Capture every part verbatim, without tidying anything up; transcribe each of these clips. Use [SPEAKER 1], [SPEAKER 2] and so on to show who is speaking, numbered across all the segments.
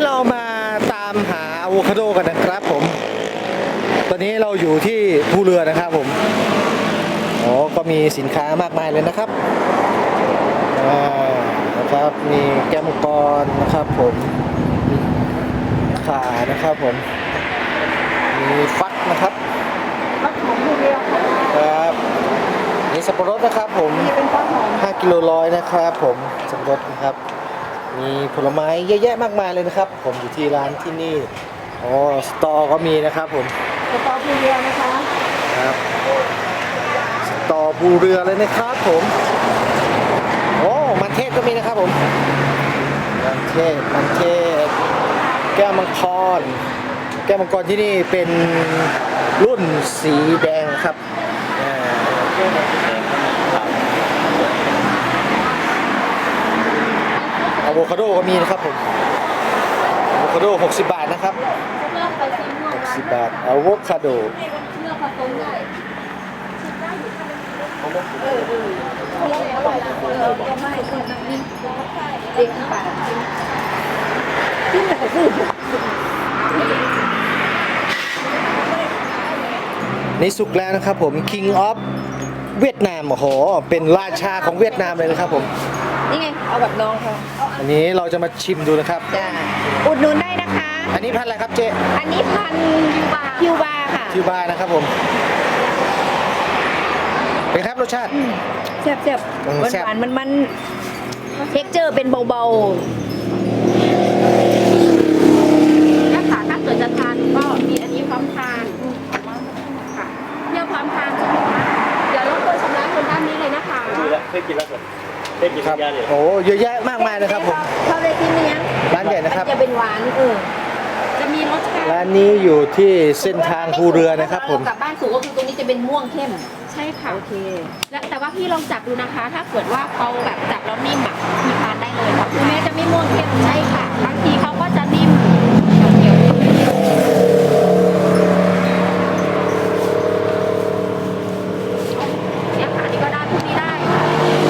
[SPEAKER 1] เรามาตามหาอะโวคาโดกันนะครับผมตอนนี้เราอยู่ที่ภูเรือนะครับผมอ๋อก็มีสินค้ามากมายเลยนะครับอ่านะครับมีแก้วมังกรนะครับผมมีขานะครับผมมีฟักนะครับ
[SPEAKER 2] ฟักหอมภูเรือค่ะ
[SPEAKER 1] ครับมีสับปะรดนะครับผม
[SPEAKER 2] นี่เป็นฟักหอม
[SPEAKER 1] ห้ากิโลร้อยนะครับผมสับปะรดนะครับมีผลไม้เยอะแยะมากมายเลยนะครับผมอยู่ที่ร้านที่นี่อ๋อสตอก็มีนะครับผม
[SPEAKER 2] สตอภูเรือนะคะ
[SPEAKER 1] ครับสตอภูเรือเลยนะครับผมโอ้มันเทศก็มีนะครับผมมันเทศมันเทศแก้วมังกรแก้วมังกรที่นี่เป็นรุ่นสีแดงครับอ่าอะโวคาโดก็มีนะครับผมอะโวคาโดหกสิบบาทนะครับ
[SPEAKER 2] เลือกไปสีม่วง
[SPEAKER 1] หกสิบบาทอะโวคาโด
[SPEAKER 2] เลือกผสมได้ชิมได้อยู่เออเออคนละอร่อยคนละก็ไม่คนละนี่เด็กป่าที่ไหนพูด
[SPEAKER 1] นี่สุกแล้วนะครับผม King of เวียดนามโอ้โหเป็นราชาของเวียดนามเลยนะครับผม
[SPEAKER 2] นี่ไงเอาแบบน้องเขา
[SPEAKER 1] อันนี้เราจะมาชิมดูนะครับ
[SPEAKER 2] จ้าอุดหนุนได้นะคะ
[SPEAKER 1] อันนี้พันธุ์อะไรครับเจ๊
[SPEAKER 2] อันนี้พันคิวบาคิวบาค่ะ
[SPEAKER 1] คิวบานะครับผมเป็นครับรสชาติ
[SPEAKER 2] แซ่บแซ่บ
[SPEAKER 1] อืม
[SPEAKER 2] หวาน
[SPEAKER 1] แซ่บ
[SPEAKER 2] หวานมันมันเท็กเจอร์เป็นเบา
[SPEAKER 3] ถ้าค่ะถ้าเกิดจะทานก็มีอันนี้พร้อมทานค่ะเที่ยวพร้อมทานใช่ไหมคะเดี๋ยวรบกวนชำระเงินด้านนี้เลยนะคะ
[SPEAKER 4] กินแล้วเคยกินแล้วครับเคยกิน
[SPEAKER 1] ครับ
[SPEAKER 4] ยาเนี่ย
[SPEAKER 1] โอ้เยอะแยะมาก
[SPEAKER 2] ๆ
[SPEAKER 1] มายเลยครับผม
[SPEAKER 2] เขาเลยที่เนี้ย
[SPEAKER 1] ร้านใหญ่นะครับ
[SPEAKER 2] มัจะเป็นหวานเออ
[SPEAKER 3] จะมีรสชาติ
[SPEAKER 1] ร้านนี้อยู่ที่เส้นทางภูเรือนะครับผม
[SPEAKER 2] กลับบ้านสู่ก็คือตรงนี้จะเป็นม่วงเข้ม
[SPEAKER 3] ใช่ค่ะ
[SPEAKER 2] โอเค
[SPEAKER 3] และแต่ว่าพี่ลองจับดูนะคะ ถ้าเกิดว่าเขาแบบจับแล้วนิ่มอ่ะพี่ทานได้เลยค่ะ
[SPEAKER 2] คือแม้จะไม่ม่วงเข้ม
[SPEAKER 3] ใช่ค่ะบางทีเขาก็จะนิ่มเขียวๆนิดนึงเนี่ยค่ะนี่ก็ได้พวกนี้ได้ค่ะ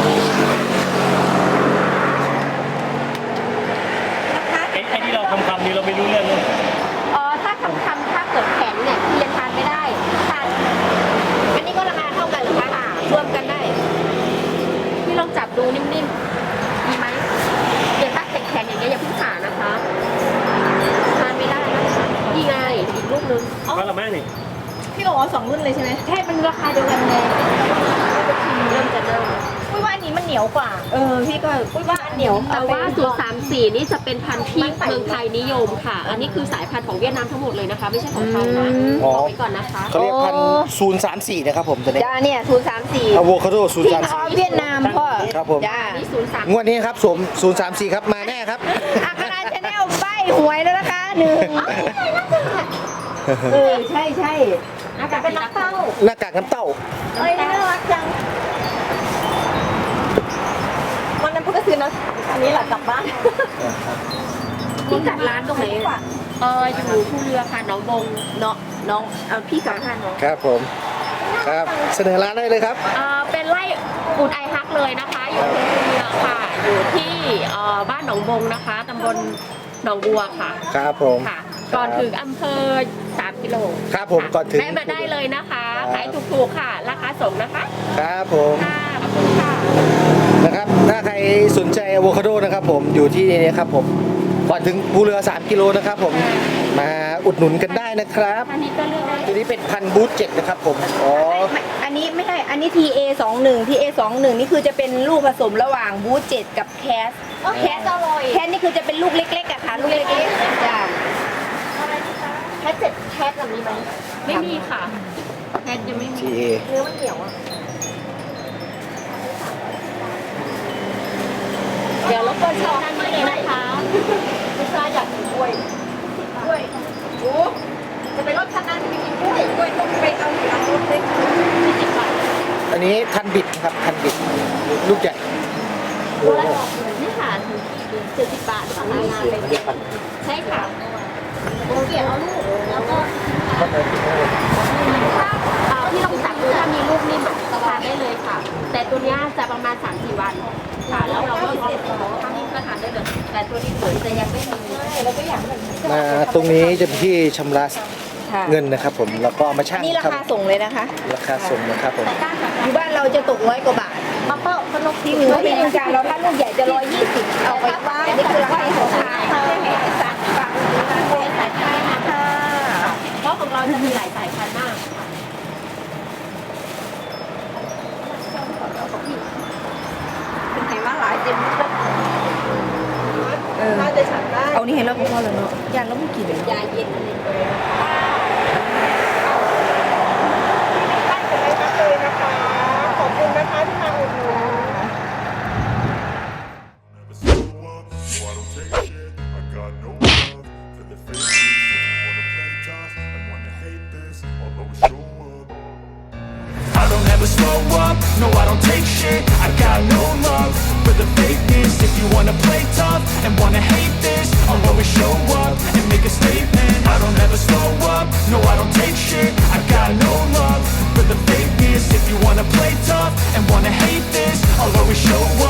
[SPEAKER 2] นะคะ
[SPEAKER 4] ไอ้ไอ้ที่เราทำคำนี้เราไม่รู้เรื่องเลย
[SPEAKER 3] เออถ้าคำคำถ้าเกิดแข็งเนี่ยพี่ยังทานไม่ได้ทานอันนี้ก็ราคาเท่ากันเหรือคะรวมกันได้พี่ลองจับดูนิ่มๆมีไหมเดี๋ยวถ้าแข็งๆอย่างเงี้ยอย่าเพิ่งผ่านะคะทานไม่ได้นะคะนี่ไงอีกลูกนึงอ๋อ
[SPEAKER 4] ว่าละแม่นี่
[SPEAKER 2] พี่บอกว่าสองรุ่นเลยใช่ไหม
[SPEAKER 3] ใช่มันราคาเดียวกันไงเริ่มจะเริ่ม
[SPEAKER 2] อุ้ยว่าอันนี้มันเหนียวกว่า เออพี่ก็อุ้ยว่าอันเหนียว
[SPEAKER 3] แต่ว่าศูนย์สามสี่นี่จะเป็นพันธุ์ที่เมืองไทยนิยมค่ะ อันนี้คือสายพันธุ์ของเวียดนามทั้งหมดเลยนะคะ ไม่ใช่ของไทยนะ
[SPEAKER 1] อ๋อ
[SPEAKER 3] บอกไว้ก่อนนะคะ
[SPEAKER 1] เขาเรียกพันธุ์ศูนย์สามสี่นะครับผมตัวนี้
[SPEAKER 2] จ้าเนี่ยศูนย์สามสี่
[SPEAKER 1] อะโวคาโดศูนย์
[SPEAKER 2] ที่
[SPEAKER 1] สาม
[SPEAKER 2] เขา
[SPEAKER 1] สี่
[SPEAKER 2] เวียดนามพ่อ
[SPEAKER 1] ครับผม
[SPEAKER 2] จ้า
[SPEAKER 3] อันนี้ศูนย์สาม
[SPEAKER 1] งวดนี้ครับสวมศูนย์สามสี่ครับมาแน่ครับ
[SPEAKER 2] อาคาราชแนลใบหวยแล้วนะคะหนึ่งเออใช่ใช่
[SPEAKER 3] อาจจะเป็นนักเต้า
[SPEAKER 1] หน้ากากน้ำเต้า
[SPEAKER 2] เอ้ยน่ารักจังวันนั้นพูดก็ซื้อนะอันนี้แหละกลับบ้าน
[SPEAKER 3] ที่จัดร้านตรงไหนเอออยู่ผู้เรือค่ะหนองบง
[SPEAKER 2] เนาะน้องเอาพี่สาวท่านน้อง
[SPEAKER 1] ครับผมครับเสนอร้านได้เลยครับ
[SPEAKER 3] เออเป็นไร่อุดไอฮักเลยนะคะ อยู่ที่ผู้เรือค่ะ อยู่ที่เอ่อบ้านหนองบงนะคะตำบลหนองบัวค่ะ
[SPEAKER 1] ครับผม
[SPEAKER 3] ค่ะ ก่อนถึงอำเภอสามกิโล
[SPEAKER 1] ครับผมก่อนถึง
[SPEAKER 3] แวะมาได้เลยนะคะ
[SPEAKER 1] ครับ
[SPEAKER 3] ขายถูกๆค่ะ ราคาส่งนะคะ
[SPEAKER 1] ครับผม
[SPEAKER 3] ค่ะขอบคุณค่ะ
[SPEAKER 1] นะครับถ้าใครสนใจอะโวคาโดนะครับผมอยู่ที่นี่ครับผมก่อนถึงภูเรือสามกิโลนะครับผมมาอุดหนุนกันได้นะครับ
[SPEAKER 3] อันนี้ก็เลือกได้
[SPEAKER 1] ตัวนี้เป็นพันธุ์บูธเจ็ดนะครับผมอ๋อ
[SPEAKER 2] ไม่อันนี้ไม่ใช่ อันนี้ ที เอ สองหนึ่ง ที เอ สองหนึ่ง นี่คือจะเป็นลูกผสมระหว่างบูธเจ็ดกับแคส
[SPEAKER 3] แคสอร่อย
[SPEAKER 2] แคสนี่คือจะเป็นลูกเล็กๆอะค่ะ ลูกเล็กๆจ้า
[SPEAKER 3] แคสเจ็ดแคสแบบนี้ไหมไม่มีค่ะแคสยังไม่มี
[SPEAKER 1] ทีเอ
[SPEAKER 2] เนื้อมันเหนียวอะ
[SPEAKER 3] เดี๋ยวรบกวนเชิญด้านนี้เลยนะคะลูกค้าอยากกินกล้วย
[SPEAKER 2] กล้วยโอ้จะไปรถคันนั้นจะไปกินกล้วยกล้วยต้องไปเอาหลังรถเลย
[SPEAKER 3] ที่สิบบาท
[SPEAKER 1] อันนี้ทันบิดนะครับทันบิดลูกใหญ่
[SPEAKER 3] ตัวละนี่ค่ะเจ็ดสิบบาทค่ะรายงานเลยใช่ค่ะโอเกียเอาลูกแล้วก็ถ้าเอ่อที่ลองจับดูถ้ามีลูกนิ่มอ่ะทานได้เลยค่ะ แต่ตัวเนี้ยจะประมาณ สามถึงสี่ วันค่ะแล้วเราก็เสร็จแล้วครั้งนี้ก็ทานได้เลยแต่ตัวนี้เหมือนจะยังไม่มี
[SPEAKER 1] มาตรงนี้จะเป็นที่ชำระ
[SPEAKER 2] ค่ะ
[SPEAKER 1] เงินนะครับผมแล้วก็เอามาชั่ง
[SPEAKER 2] นี่รา
[SPEAKER 1] ครับ
[SPEAKER 2] คาส่งเลยนะคะ
[SPEAKER 1] ราคาส่งนะครับผม
[SPEAKER 2] อยู่บ้านเราจะตกร้อยกว่าบาท
[SPEAKER 3] มาเปิดขนม
[SPEAKER 2] ที่หนึ่งที่เมืองการเราถ้าลูกใหญ่จะร้อยยี่สิบเอาไปว่างนี่คือราคาของทาง
[SPEAKER 3] สัตว์ฝั่งเป็นสายพันธุ์นะคะเพราะของเราจะมีหลายสายพันธุ์มากค่ะ
[SPEAKER 2] เป็นไงมาหลายเต็มเออเอานี่ให้เราพอแล้วเนาะยานเราไม่กินเลย
[SPEAKER 3] ยาเย็นอะไร
[SPEAKER 5] Never slow up, no, I don't take shit. I got no love for the fakeness. If you wanna play tough and wanna hate this, I'll always show up. I don't ever slow up, no, I don't take shit. I got no love for the fakeness. If you wanna play tough and wanna hate this, I'll always show up and make a statement. I don't ever slow up, no, I don't take shit. I got no love for the fakeness. If you wanna play tough and wanna hate this, I'll always show up.